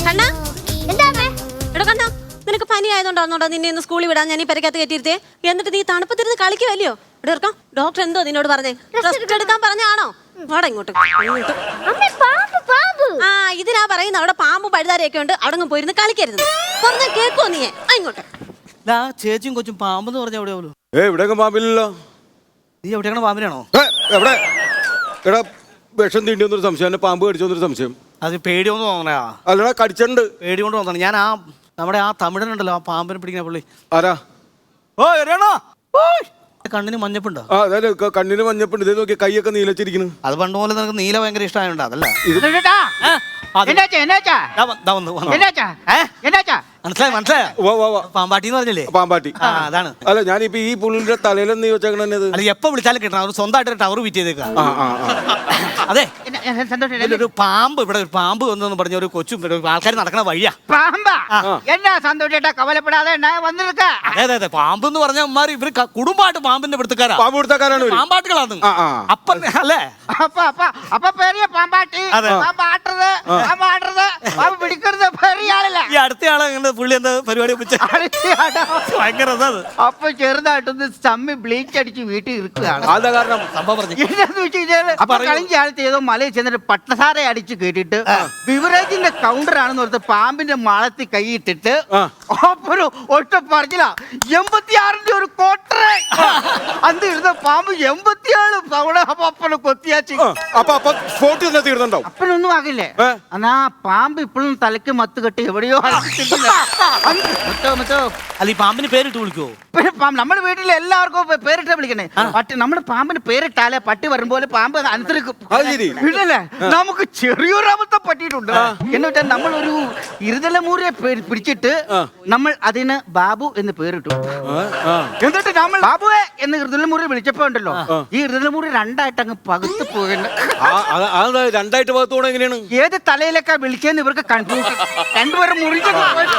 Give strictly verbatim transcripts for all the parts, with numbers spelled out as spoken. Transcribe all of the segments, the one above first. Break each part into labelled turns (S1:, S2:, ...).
S1: കണ്ണാ എടാ കണ്ണാ, നിനക്ക് പനി ആയതുകൊണ്ടാണോടാ നിന്നെ ഇന്ന് സ്കൂളിൽ വിടാൻ ഞാൻ ഈ പെരക്കകത്ത് കയറ്റിയിരുത്തേ? എന്നിട്ട് നീ തണുപ്പത്തിരുന്ന് കളിക്കുവല്ലയോ? ഇവിടെ ഇറക്കാം. ഡോക്ടർ എന്തോ നിന്നോട് പറഞ്ഞേ? റെസ്റ്റ് എടുക്കാൻ പറഞ്ഞാണോ? വാടാ ഇങ്ങോട്ട്. ആ ഇതിനാ പറയുന്നത് അവിടെ പാമ്പും പഴുതാരയൊക്കെ ഉണ്ട്, അവിടെ പോയിരുന്ന് കളിക്കരുത്. പറഞ്ഞ കേക്കോ നീ? ഇങ്ങോട്ട്.
S2: ചേച്ചിയും കൊച്ചും പാമ്പെന്ന് പറഞ്ഞ എവിടെയാവല്ലോ?
S3: ഏ ഇവിടെയൊക്കെ പാമ്പില്ലല്ലോ.
S2: നീ എവിടെയാണ് പാമ്പിനാണോ?
S3: എവിടെ എടാ വിഷം തീണ്ടി വന്നൊരു സംശയം, എന്നെ പാമ്പ് കടിച്ചു വന്നൊരു സംശയം.
S2: അത് പേടിയൊന്നും തോന്നണയാ?
S3: അല്ലടാ കടിച്ചിട്ടുണ്ട്.
S2: പേടി കൊണ്ട് തോന്നണം. ഞാൻ ആ നമ്മുടെ ആ തമിഴനുണ്ടല്ലോ, ആ പാമ്പിനെ പിടിക്കുന്ന പുള്ളി.
S3: ആരാ?
S2: ഓ എറിയണോ? കണ്ണിന് മഞ്ഞപ്പുണ്ടോ?
S3: ആ അതെ, കണ്ണിന് മഞ്ഞപ്പുണ്ട്. ഇതേ നോക്കി കൈയൊക്കെ നീലച്ചിരിക്കുന്നു.
S2: അത് പണ്ട് പോലെ നിനക്ക് നീല ഭയങ്കര ഇഷ്ടമായോണ്ട് അതല്ല. മനസ്സിലായി മനസ്സിലായോ? പാമ്പാട്ടി എന്ന് പറഞ്ഞില്ലേ?
S3: പാമ്പാട്ടി.
S2: അതാണ്.
S3: അല്ല ഞാനിപ്പോ ഈ പുള്ളിന്റെ തലയിലും നീ വെച്ചേക്കണത്.
S2: അല്ല എപ്പോ വിളിച്ചാലും കിട്ടണം. അവർ സ്വന്തമായിട്ട് ടവർ വിറ്റ് ചെയ്തേക്കാം. അതെ, ഒരു പാമ്പ് ഇവിടെ ഒരു പാമ്പ് വന്നെന്ന് പറഞ്ഞ ഒരു കൊച്ചും ആൾക്കാർ നടക്കണ വഴിയാ.
S4: പാമ്പാ? എന്നാ സന്തോഷേട്ടാ കവലപ്പെടാതെ വന്നിരിക്ക.
S2: അതെ അതെ അതെ, പാമ്പ് എന്ന് പറഞ്ഞ അമ്മമാർ ഇവര് കുടുംബമായിട്ട് പാമ്പിന്റെ പിടുത്തക്കാരാ.
S3: പാമ്പ് പിടുത്തക്കാരാണ്,
S2: പാമ്പാട്ടുകളാണ്. അപ്പൻ അല്ലേ?
S4: അപ്പൊ അപ്പൊ അപ്പൊ പെരിയ പാമ്പാട്ടി, പാമ്പാട്ടത്, പാമ്പാട്ടത്, പാമ്പ് പിടിക്കരുത് പെരിയ ആളല്ല.
S2: ഈ അടുത്തയാളെ പുള്ളി എന്താ പരിപാടി ഭയങ്കര
S4: അപ്പൊ ചെറുതായിട്ടൊന്ന് ചമ്മി ബ്ലീച്ച് അടിച്ച് വീട്ടിൽ ഇരിക്കുകയാണ്.
S3: അതാ കാരണം
S2: സംഭവം പറഞ്ഞു.
S4: എന്താന്ന് വെച്ച് കഴിഞ്ഞാല് കളിഞ്ച ആളത്ത് ഏതോ മലയിൽ ചെന്നിട്ട് പട്ടസാര അടിച്ച് കേട്ടിട്ട് ബിവറേജിന്റെ കൗണ്ടർ ആണെന്ന് പറഞ്ഞ് പാമ്പിന്റെ മാളത്തിൽ കൈയിട്ടിട്ട് അപ്പൊ ഒറ്റ പറഞ്ഞില്ല എൺപത്തിയാറിന്റെ ഒരു കോട്ടറ് അന്ന് ഇരുന്ന പാമ്പ് എൺപത്തിയാറ് തവണ അപ്പനെ കൊത്തിയാച്ചി.
S3: അപ്പൊ അപ്പൊ സ്പോട്ടിൽ തന്നെ തീർന്നുണ്ടാവും.
S4: അപ്പനൊന്നും ആകില്ലേ? എന്നാ പാമ്പ് ഇപ്പോഴും തലയ്ക്ക് മത്ത് കെട്ടി എവിടെയോ.
S2: അല്ല ഈ പാമ്പിന് പേരിട്ട് വിളിക്കുവോ?
S4: നമ്മുടെ വീട്ടിൽ എല്ലാവർക്കും പേരിട്ടാ വിളിക്കണേ. പട്ടി നമ്മുടെ പാമ്പിന് പേരിട്ടാലേ പട്ടി വരുമ്പോലെ പാമ്പ് അനുസരിക്കും. ഇല്ലല്ലേ? നമുക്ക് ചെറിയൊരു അബദ്ധം പറ്റിയിട്ടുണ്ട്. എന്ന് വെച്ചാൽ നമ്മളൊരു ഇരുതലമൂരിയെ പിടിച്ചിട്ട് നമ്മൾ അതിന് ബാബു എന്ന് പേരിട്ടു. എന്നിട്ട് നമ്മൾ ബാബുവെ എന്ന് ഇരുതലമൂരി വിളിച്ചപ്പോ ഉണ്ടല്ലോ, ഈ ഇരുതലമൂരി രണ്ടായിട്ട് അങ്ങ് പകുത്ത് പോകുന്നു.
S3: രണ്ടായിട്ട് പകത്തോടെ എങ്ങനെയാണ്?
S4: ഏത് തലയിലേക്കാ വിളിച്ചെന്ന് ഇവർക്ക് കൺഫ്യൂഷൻ. രണ്ടുപേരും മുറിഞ്ഞു.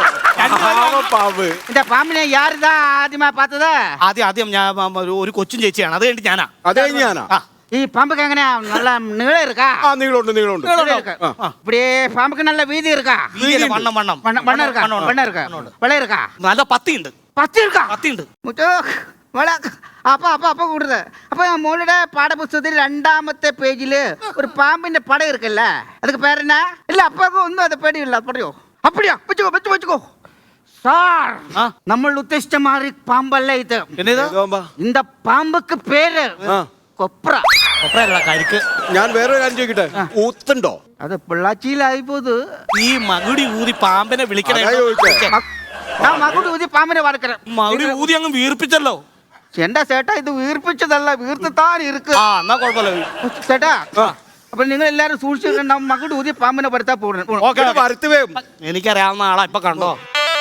S4: എന്റെ പാമ്പിനെ യാരിതാ ആദ്യമായി പാത്തത്?
S2: ആദ്യം ആദ്യം ഞാൻ ഒരു കൊച്ചും ചേച്ചിയാണ്. അത് കഴിഞ്ഞിട്ട് ഞാനാ.
S3: അതേ ഞാനാ.
S4: ഈ പാമ്പുക്ക് എങ്ങനെയാ? നല്ല നീളം இருக்கா?
S3: ആ നീളമുണ്ട് നീളമുണ്ട്.
S4: இப்படியே பாம்புக்கு நல்ல வீதி இருக்கா?
S2: വണ്ണം വണ്ണം
S4: വണ്ണം இருக்கா? വണ്ണം இருக்கா? വെള്ളം இருக்கா?
S2: നല്ല പത്തിയുണ്ട്.
S4: പത്തി இருக்கா?
S2: പത്തിയുണ്ട്.
S4: അപ്പൊ അപ്പൊ അപ്പൊ കൂടുതൽ. അപ്പൊ മോളുടെ പാഠപുസ്തകത്തിൽ രണ്ടാമത്തെ പേജില് ഒരു പാമ്പിന്റെ പടം ഇരിക്കല്ലേ, அதுக்கு பேர் என்ன? இல்ல അപ്പൊക്കെ ഒന്നും അത് പേടിയില്ല. പറയോ? அப்படியா? വെച്ചോ വെച്ചോ വെച്ചോ സാർ. നമ്മൾ ഉദ്ദേശിച്ച മാറി പാമ്പല്ല ഇത്. இந்த പാമ്പുക്ക് പേര് കൊപ്ര.
S2: കൊപ്രയല്ല, കരിക്ക്.
S3: ഞാൻ വേറെ കാര്യം ചോദിക്കട്ടെ, ഊത്തുണ്ടോ?
S4: അത് പിള്ളാച്ചിയിലായി പോത്.
S2: ഈ മകുടി ഊതി പാമ്പിനെ വിളിക്കണേ.
S4: മകുടി ഊതി പാമ്പിനെ വറക്കണ.
S2: മകുടി ഊതി അങ്ങ് വീർപ്പിച്ചല്ലോ.
S4: എന്റെ ചേട്ടാ ഇത് വീർപ്പിച്ചതല്ല, വീർത്താൻ ഇരിക്ക്.
S2: എന്നാ കുഴപ്പമില്ല
S4: ചേട്ടാ. അപ്പൊ നിങ്ങൾ എല്ലാരും സൂക്ഷിച്ചിട്ടുണ്ടാവും. മകുടി ഊതി പാമ്പിനെ വരുത്താ പോകണം.
S2: എനിക്കറിയാവുന്ന ആളാ, ഇപ്പൊ കണ്ടോ?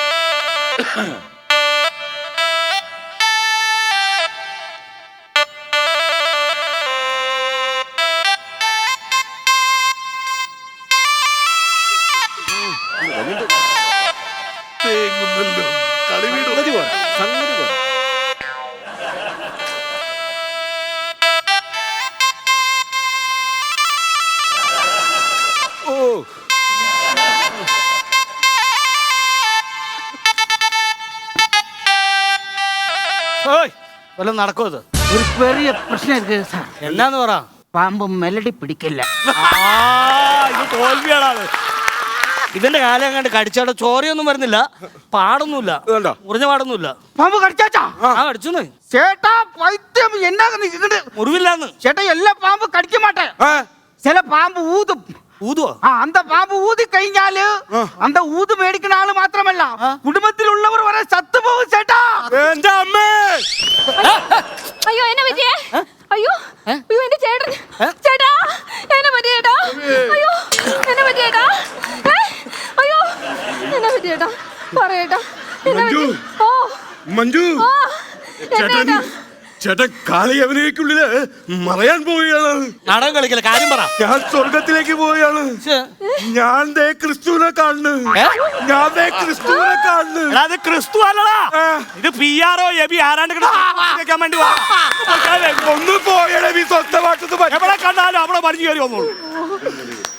S2: വല്ലതും നടക്കോ? അത്
S4: ഒരു ചെറിയ പ്രശ്നം ഇருக்கு സാർ.
S2: എന്നാന്ന് പറ.
S4: പാമ്പ് മെലഡി പിടിക്കില്ല.
S2: ഇത് തോൽവിയാണ്. ഇതിന്റെ കാലം കണ്ട് കടിച്ചാടെ ചോരയൊന്നും വരുന്നില്ല, പാടൊന്നുമില്ല, മുറിഞ്ഞ പാടൊന്നുമില്ല.
S4: പാമ്പ് കടിച്ചാച്ചാ?
S2: ആ കടിച്ചു.
S4: ചേട്ടാ പൈത്യം എന്നാ
S2: മുറിവില്ലാന്ന്.
S4: ചേട്ടാ എല്ലാ പാമ്പ് കടിക്ക മാട്ടേ. ചില പാമ്പ് ഊതും.
S2: ഊതുവോ?
S4: ആ അന്ത പാമ്പ് ഊതി കഴിഞ്ഞാല് അന്ത ഊത് മേടിക്കുന്ന ആള് മാത്രമല്ല കുടുംബത്തിലുള്ളവർ വരെ ചത്തുപോകും ചേട്ടാ.
S3: എന്റെ അമ്മേ!
S1: അയ്യോ എന്നെ പറ്റിയേ? അയ്യോ അയ്യോ എന്റെ ചേട്ടൻ. ചേട്ടാ എന്നെ പറ്റിയേട്ടാ. അയ്യോ എന്നെ പറ്റിയേട്ടാ. അയ്യോ എന്നെ പറ്റിയേട്ടാ. പറയേട്ടാ എന്നെ പറ്റി. ഓ
S3: മഞ്ജു, ചേട്ടൻ ചേട്ടൻ കാളിയവനേക്കുള്ളില് മറയാൻ പോവുകയാണ്.
S2: നാടകം കളിക്കല, കാര്യം പറ.
S3: ഞാൻ സ്വർഗത്തിലേക്ക് പോവുകയാണ്. ഞാൻ ദേ ക്രിസ്തുവിനെ കാണുന്നു. ഞാൻ ദേ ക്രിസ്തുവിനെ കാണുന്നു.
S2: അത് ക്രിസ്തു അല്ലടാ, ഇത് പി ആറോ എബി ആരാണ്ട് വേണ്ടി.
S3: ഒന്ന് പോയടേ, നീ സ്വന്തമായിട്ടൊന്ന്
S2: എവിടെ കണ്ടാലും അവിടെ മറിഞ്ഞു കയറി വന്നോളൂ.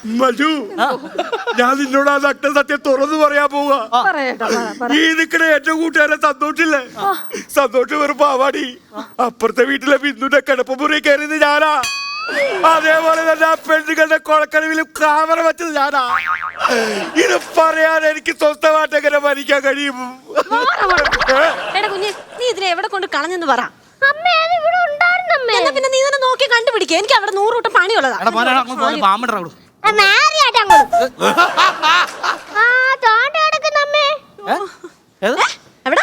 S3: മജു ഞാൻ നിന്നോട് ആ നഗ്ന സത്യം തുറന്നു പറയാൻ പോവാ. ഈ നിക്കണ എന്റെ കൂട്ടുകാരൻ സന്തോഷില്ലേ, സന്തോഷം വെറും പാവാടി. അപ്പുറത്തെ വീട്ടിലെ ബിന്ദുന്റെ കിടപ്പുമുറി കയറിയത് ഞാനാ. അതേപോലെ തന്നെ ആ പെണ്ണുകളുടെ കൊളക്കടവിലും ക്യാമറ വെച്ചത് ഞാനാ. ഇത് പറയാൻ എനിക്ക് സ്വസ്ഥമായിട്ട് എങ്ങനെ ഭരിക്കാൻ കഴിയും?
S1: എടാ കുഞ്ഞെ, നീ ഇതിനെ എവിടെ കൊണ്ട് കളഞ്ഞെന്ന് പറ. എന്നാ പിന്നെ നീ തന്നെ നോക്കി കണ്ടുപിടിക്കുക. എനിക്ക് അവിടെ നൂറ് കൂട്ടം പണിയുള്ളതാ.
S2: എടാ മോനെ, എടാ, അങ്ങോട്ട് പോകാൻ പാമ്പിട അങ്ങോട്ട്. ഏത്?
S1: എവിടാ?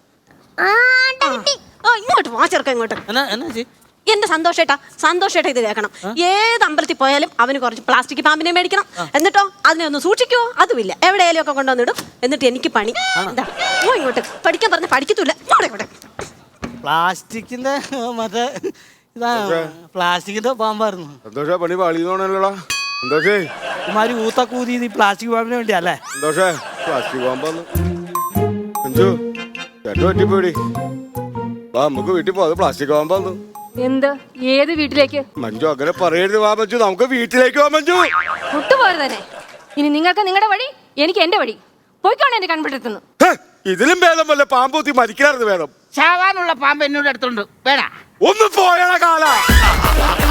S1: ഓ, ഇങ്ങോട്ട് വാ ചെറുക്ക, ഇങ്ങോട്ട്.
S2: എന്നാ എന്നാ ചേച്ചി?
S1: എന്റെ സന്തോഷേട്ടാ, സന്തോഷേട്ടാ ഇത് കേൾക്കണം. ഏത് അമ്പലത്തിൽ പോയാലും അവന് കുറച്ച് പ്ലാസ്റ്റിക് പാമ്പിനെ മേടിക്കണം. എന്നിട്ടോ അതിനെ ഒന്ന് സൂക്ഷിക്കുവോ? അതുമില്ല, എവിടെയാലും ഒക്കെ കൊണ്ടുവന്നിടും. എന്നിട്ട് എനിക്ക് പണി എന്താ? ഓ, ഇങ്ങോട്ട് പഠിക്കാൻ പറഞ്ഞ പഠിക്കത്തൂല്ല. ഇങ്ങോട്ട് ഇങ്ങോട്ട്.
S2: പ്ലാസ്റ്റിക്കിന്റെ മറ്റേ ഇതാ പ്ലാസ്റ്റിക്കിന്റെ പാമ്പായിരുന്നു.
S3: സന്തോഷ പണി പാളിയോണല്ലോടാ. സന്തോഷേ
S2: ഇമാര് ഊത്തക്കൂതി ഈ പ്ലാസ്റ്റിക് പാമ്പിന് വേണ്ടിയല്ലേ?
S3: സന്തോഷേ പ്ലാസ്റ്റിക് പാമ്പാന്ന് അഞ്ചു ചേട്ടൻ പറ്റിപ്പോയി. വാ നമുക്ക് വീട്ടിൽ പോ. അത് പ്ലാസ്റ്റിക് പാമ്പാന്ന്.
S5: എന്ത്? ഏത് വീട്ടിലേക്ക്?
S3: മഞ്ജു അങ്ങനെ പറയരുത്. വാ മഞ്ജു, നമുക്ക് വീട്ടിലേക്ക് വാ മഞ്ജു.
S5: വിട്ടുപോയത് തന്നെ. ഇനി നിങ്ങൾക്ക് നിങ്ങളുടെ വഴി, എനിക്ക് എന്റെ വഴി. പോയിക്കോണെ എന്റെ കൺപിടുത്തുന്നു.
S3: ഇതിലും ഭേദം വല്ല പാമ്പൂത്തി മരിക്കാറുണ്ട് വേണം.
S4: ചാവാനുള്ള പാമ്പ് എന്നോട് അടുത്തുണ്ട്. വേടാ
S3: ഒന്ന് പോയണ കാല